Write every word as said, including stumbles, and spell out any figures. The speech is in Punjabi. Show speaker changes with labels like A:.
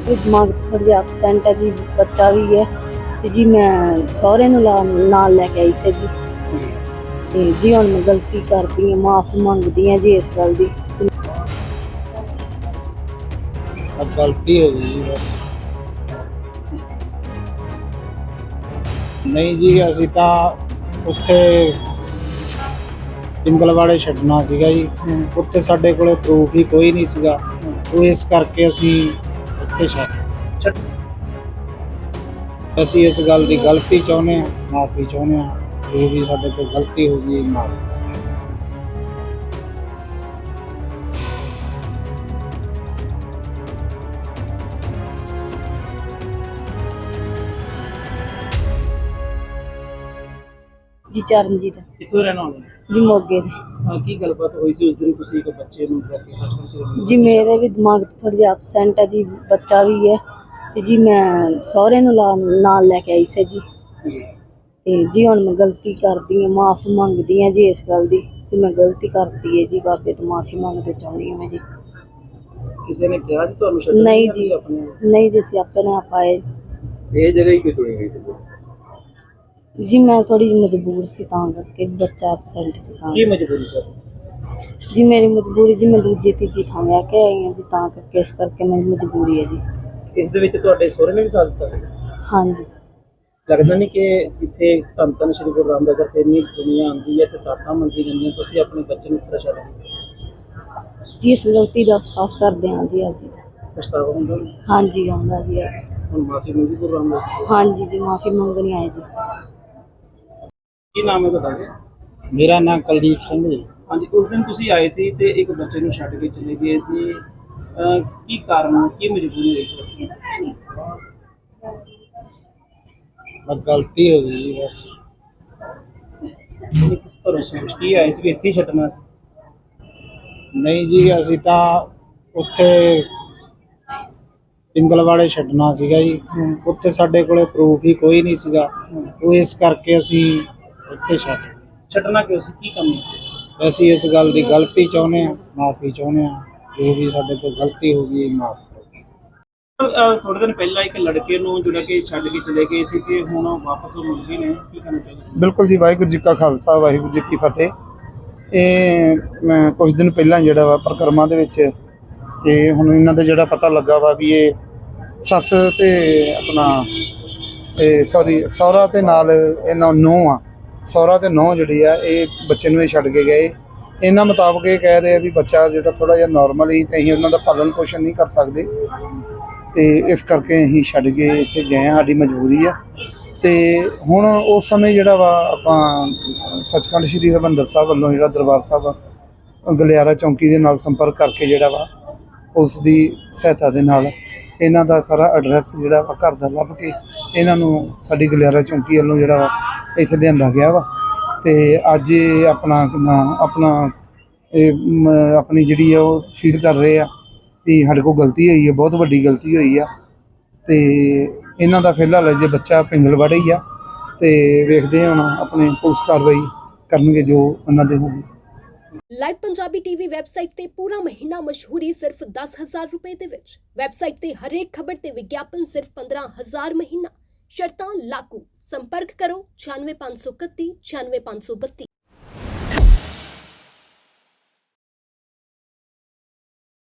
A: ਦਿਮਾਗ 'ਚ ਥੋੜ੍ਹਾ ਜਿਹਾ ਐਬਸੈਂਟ ਹੈ ਜੀ, ਬੱਚਾ ਵੀ ਹੈ ਤੇ ਜੀ ਮੈਂ ਸਹੁਰੇ ਨੂੰ ਲਾ- ਨਾਲ ਲੈ ਕੇ ਆਈ ਸੀ ਜੀ। ਤੇ ਜੀ ਹੁਣ ਮੈਂ ਗਲਤੀ ਕਰਦੀ ਹਾਂ, ਮਾਫ਼ੀ ਮੰਗਦੀ ਹਾਂ ਜੀ ਇਸ ਗੱਲ ਦੀ।
B: अब गलती हो गई जी बस। नहीं जी ਅਸੀਂ ਤਾਂ ਉੱਥੇ ਪਿੰਗਲਵਾੜੇ ਛੱਡਣਾ ਸੀਗਾ ਜੀ। ਉੱਥੇ ਸਾਡੇ ਕੋਲੇ ਪ੍ਰੂਫ ਹੀ ਕੋਈ ਨਹੀਂ ਸੀਗਾ, ਉਹ ਇਸ ਕਰਕੇ ਅਸੀਂ ਇੱਥੇ ਛੱਡ ਅਸੀਂ ਇਸ ਗੱਲ ਦੀ ਗਲਤੀ ਚਾਹੁੰਦੇ ਹਾਂ, ਮਾਫੀ ਚਾਹੁੰਦੇ ਹਾਂ, ਜੋ ਵੀ ਸਾਡੇ ਤੋਂ ਗਲਤੀ ਹੋ ਗਈ ਮਾਫੀ।
A: ਜੀ ਚਰਨਜੀਤ
C: ਕਿੱਥੋਂ ਰਹਿਣਾ ਹੋਣਾ
A: ਜੀ, ਮੋਗੇ ਦੇ।
C: ਹਾਂ, ਕੀ ਗੱਲਬਾਤ ਹੋਈ ਸੀ ਉਸ ਦਿਨ ਤੁਸੀਂ ਇੱਕ ਬੱਚੇ ਨੂੰ ਲੈ ਕੇ ਸੱਚਮੁੱਚ
A: ਜੀ ਮੇਰੇ ਵੀ ਦਿਮਾਗ 'ਚ ਥੋੜ੍ਹਾ ਜਿਹਾ ਐਬਸੈਂਟ ਹੈ ਜੀ, ਬੱਚਾ ਵੀ ਹੈ ਤੇ ਜੀ ਮੈਂ ਸਹੁਰੇ ਨੂੰ ਲਾ- ਨਾਲ ਲੈ ਕੇ ਆਈ ਸੀ ਜੀ। ਤੇ ਜੀ ਹੁਣ ਮੈਂ ਗਲਤੀ ਕਰਦੀ ਹਾਂ, ਮਾਫ਼ੀ ਮੰਗਦੀ ਹਾਂ ਜੀ ਇਸ ਗੱਲ ਦੀ ਕਿ ਮੈਂ ਗਲਤੀ ਕਰਤੀ ਹੈ ਜੀ। ਬਾਬੇ ਤੋਂ ਮਾਫ਼ੀ ਮੰਗਦੇ ਚਾਹੁੰਦੀ ਹਾਂ ਮੈਂ ਜੀ।
C: ਕਿਸੇ ਨੇ ਕਿਹਾ ਸੀ ਤੁਹਾਨੂੰ ਛੱਡਣ
A: ਨਹੀਂ
C: ਜਾਂ
A: ਜੀ,
C: ਤੁਸੀਂ ਆਪਣੇ ਆਪ?
A: ਨਹੀਂ ਜੀ, ਅਸੀਂ ਆਪਣੇ ਆਪ ਆਏ।
C: ਇਹ ਜਗ੍ਹਾ ਹੀ ਕਿਉਂ ਚੁਣੀ ਗਈ ਸੀ?
A: ਜੀ ਮੈਂ ਥੋੜੀ ਜਿਹੀ ਮਜਬੂਰ ਸੀ ਤਾਂ ਕਰਕੇ, ਬੱਚਾ ਐਬਸੈਂਟ ਸੀ ਤਾਂ।
C: ਕੀ ਮਜਬੂਰੀ ਸਰ?
A: ਜੀ ਮੇਰੀ ਮਜਬੂਰੀ ਜੀ, ਮੈਂ ਦੂਜੀ ਤੀਜੀ ਥਾਂ ਵਿਆਹ ਕੇ ਆਈ ਹਾਂ ਜੀ, ਤਾਂ ਕਰਕੇ ਇਸ ਕਰਕੇ ਮੇਰੀ ਮਜਬੂਰੀ ਹੈ ਜੀ।
C: ਇਸ ਦੇ ਵਿੱਚ ਤੁਹਾਡੇ ਸਹੁਰੇ ਨੇ ਵੀ ਸਾਥ ਦਿੱਤਾ?
A: ਹਾਂਜੀ।
C: ਲੱਗਦਾ ਨਹੀਂ ਕਿ ਇੱਥੇ ਧੰਨ ਧੰਨ ਸ਼੍ਰੀ ਗੁਰੂ ਰਾਮਦਾਸ ਜੀ ਇੰਨੀ ਦੁਨੀਆ ਆਉਂਦੀ ਹੈ ਤੇ ਤਾਟਾਂ ਮੰਗੀ ਜਾਂਦੀਆਂ, ਤੁਸੀਂ ਆਪਣੇ ਬੱਚੇ ਨੂੰ ਇਸ ਤਰ੍ਹਾਂ ਛੱਡ ਦਿੱਤਾ?
A: ਜੀ ਇਸ ਗਲਤੀ ਦਾ ਅਹਿਸਾਸ ਕਰਦੇ ਹਾਂ ਜੀ ਅੱਜ।
C: ਪਛਤਾਵਾ ਹੁੰਦਾ?
A: ਹਾਂਜੀ ਆਉਂਦਾ ਜੀ।
C: ਹੁਣ ਮਾਫੀ ਮੰਗੀ ਗੁਰੂ ਰਾਮਦਾਸ ਜੀ?
A: ਹਾਂਜੀ ਜੀ, ਮਾਫ਼ੀ ਮੰਗਣੀ ਆਏ ਜੀ।
C: ਕੀ ਨਾਮ ਹੈ ਤੁਹਾਡਾ?
B: ਮੇਰਾ ਨਾਮ ਕੁਲਦੀਪ ਸਿੰਘ ਜੀ।
C: ਹਾਂਜੀ, ਉਸ ਦਿਨ ਤੁਸੀਂ ਆਏ ਸੀ ਤੇ ਇੱਕ ਬੱਚੇ ਨੂੰ ਛੱਡ ਕੇ ਚਲੇ ਗਏ ਸੀ, ਅਹ ਕੀ ਕਾਰਨ, ਕੀ ਮਜਬੂਰੀ ਹੋਈ?
B: ਬਸ ਗਲਤੀ ਹੋ ਗਈ ਜੀ ਬਸ।
C: ਕਿਸ ਤਰ੍ਹਾਂ ਸੋਚ ਕੀ ਆਏ ਸੀ ਵੀ ਇੱਥੇ ਹੀ ਛੱਡਣਾ ਸੀ?
B: ਨਹੀਂ ਜੀ ਅਸੀਂ ਤਾਂ ਉੱਥੇ ਪਿੰਗਲਵਾੜੇ ਛੱਡਣਾ ਸੀਗਾ ਜੀ। ਉੱਥੇ ਸਾਡੇ ਕੋਲੇ ਪ੍ਰੂਫ ਹੀ ਕੋਈ ਨਹੀਂ ਸੀਗਾ, ਉਹ ਇਸ ਕਰਕੇ ਅਸੀਂ ਇੱਥੇ ਛੱਡ ਗਏ।
C: ਛੱਡਣਾ ਕਿਉਂ ਸੀ, ਕੀ ਕੰਮ ਸੀ?
B: ਅਸੀਂ ਇਸ ਗੱਲ ਦੀ ਗਲਤੀ ਚਾਹੁੰਦੇ ਹਾਂ, ਮਾਫੀ ਚਾਹੁੰਦੇ ਹਾਂ, ਜੋ ਵੀ ਸਾਡੇ ਤੋਂ ਗਲਤੀ ਹੋ ਗਈ ਮਾਫ ਕਰੋ।
C: ਅਹ ਥੋੜੇ ਦਿਨ ਪਹਿਲਾਂ ਇੱਕ ਲੜਕੇ ਨੂੰ ਜਿਹੜਾ ਕਿ ਛੱਡ ਕੇ ਚਲੇ ਗਏ ਸੀ ਤੇ ਹੁਣ ਵਾਪਸ ਉਹ ਮਿਲ ਗਏ ਨੇ, ਕੀ ਕਹਿਣਾ ਚਾਹੁੰਦੇ?
D: ਬਿਲਕੁਲ ਜੀ, ਵਾਹਿਗੁਰੂ ਜੀ ਕਾ ਖਾਲਸਾ, ਵਾਹਿਗੁਰੂ ਜੀ ਕੀ ਫਤਿਹ। ਇਹ ਮੈਂ ਕੁਝ ਦਿਨ ਪਹਿਲਾਂ ਜਿਹੜਾ ਵਾ ਪਰਿਕਰਮਾ ਦੇ ਵਿੱਚ ਇਹ ਹੁਣ ਇਹਨਾਂ ਦਾ ਜਿਹੜਾ ਪਤਾ ਲੱਗਾ ਵਾ ਵੀ ਇਹ ਸੱਸ ਤੇ ਆਪਣਾ ਇਹ ਸੌਰੀ ਸਹੁਰਾ ਤੇ ਨਾਲ ਇਹਨਾਂ ਨੂੰਹ ਆ, ਸਹੁਰਾ ਤੇ ਨੂੰਹ ਜਿਹੜੀ ਆ ਇਹ ਬੱਚੇ ਨੂੰ ਇਹ ਛੱਡ ਕੇ ਗਏ। ਇਹਨਾਂ ਮੁਤਾਬਕ ਇਹ ਕਹਿ ਰਹੇ ਆ ਵੀ ਬੱਚਾ ਜਿਹੜਾ ਥੋੜ੍ਹਾ ਜਿਹਾ ਨੋਰਮਲ ਹੀ ਤੇ ਅਸੀਂ ਉਹਨਾਂ ਦਾ ਪਾਲਣ ਪੋਸ਼ਣ ਨਹੀਂ ਕਰ ਸਕਦੇ ਤੇ ਇਸ ਕਰਕੇ ਅਸੀਂ ਛੱਡ ਕੇ ਇੱਥੇ ਗਏ ਹਾਂ, ਸਾਡੀ ਮਜਬੂਰੀ ਆ। ਤੇ ਹੁਣ ਉਸ ਸਮੇਂ ਜਿਹੜਾ ਵਾ ਆਪਾਂ ਸੱਚਖੰਡ ਸ੍ਰੀ ਹਰਿਮੰਦਰ ਸਾਹਿਬ ਵੱਲੋਂ ਜਿਹੜਾ ਦਰਬਾਰ ਸਾਹਿਬ ਗਲਿਆਰਾ ਚੌਂਕੀ ਦੇ ਨਾਲ ਸੰਪਰਕ ਕਰਕੇ ਜਿਹੜਾ ਵਾ ਉਸ ਦੀ ਸਹਾਇਤਾ ਦੇ ਨਾਲ ਇਹਨਾਂ ਦਾ ਸਾਰਾ ਐਡਰੈਸ ਜਿਹੜਾ ਵਾ ਘਰ ਦਾ ਲੱਭ ਕੇ ਇਹਨਾਂ ਨੂੰ ਸਾਡੀ ਗਲਿਆਰਾ ਚੌਂਕੀ ਵੱਲੋਂ ਜਿਹੜਾ ਵਾ ਇੱਥੇ ਲਿਆਂਦਾ ਗਿਆ ਵਾ। ਤੇ ਅੱਜ ਇਹ ਆਪਣਾ ਕਿੰਨਾ ਆਪਣਾ ਇਹ ਮ- ਆਪਣੀ ਜਿਹੜੀ ਆ ਉਹ ਫੀਲ ਕਰ ਰਹੇ ਆ ਵੀ ਸਾਡੇ ਕੋਲ ਗਲਤੀ ਹੋਈ ਹੈ, ਬਹੁਤ ਵੱਡੀ ਗਲਤੀ ਹੋਈ ਆ। ਤੇ ਇਹਨਾਂ ਦਾ ਫਿਲਹਾਲ ਜੇ ਬੱਚਾ ਪਿੰਗਲਵਾੜੇ ਹੀ ਆ ਤੇ ਵੇਖਦੇ ਹੁਣ ਆਪਣੇ ਪੁਲਿਸ ਕਾਰਵਾਈ ਕਰਨਗੇ ਜੋ ਉਹਨਾਂ ਦੇ ਹੋਊਗੀ।
E: ਲਾਈਵ ਪੰਜਾਬੀ ਟੀਵੀ ਵੈਬਸਾਈਟ ਤੇ ਪੂਰਾ ਮਹੀਨਾ ਮਸ਼ਹੂਰੀ ਸਿਰਫ ਦਸ ਹਜ਼ਾਰ ਰੁਪਏ ਦੇ ਵਿੱਚ। ਵੈਬਸਾਈਟ ਤੇ ਹਰੇਕ ਖਬਰ ਤੇ ਵਿਗਿਆਪਨ ਸਿਰਫ ਪੰਦਰਾਂ ਹਜ਼ਾਰ ਮਹੀਨਾ। ਸ਼ਰਤਾਂ ਲਾਗੂ। ਸੰਪਰਕ ਕਰੋ ਛਿਆਨਵੇਂ ਪੰਜ ਸੌ ਇਕੱਤੀ ਛਿਆਨਵੇਂ ਪੰਜ ਸੌ ਬੱਤੀ।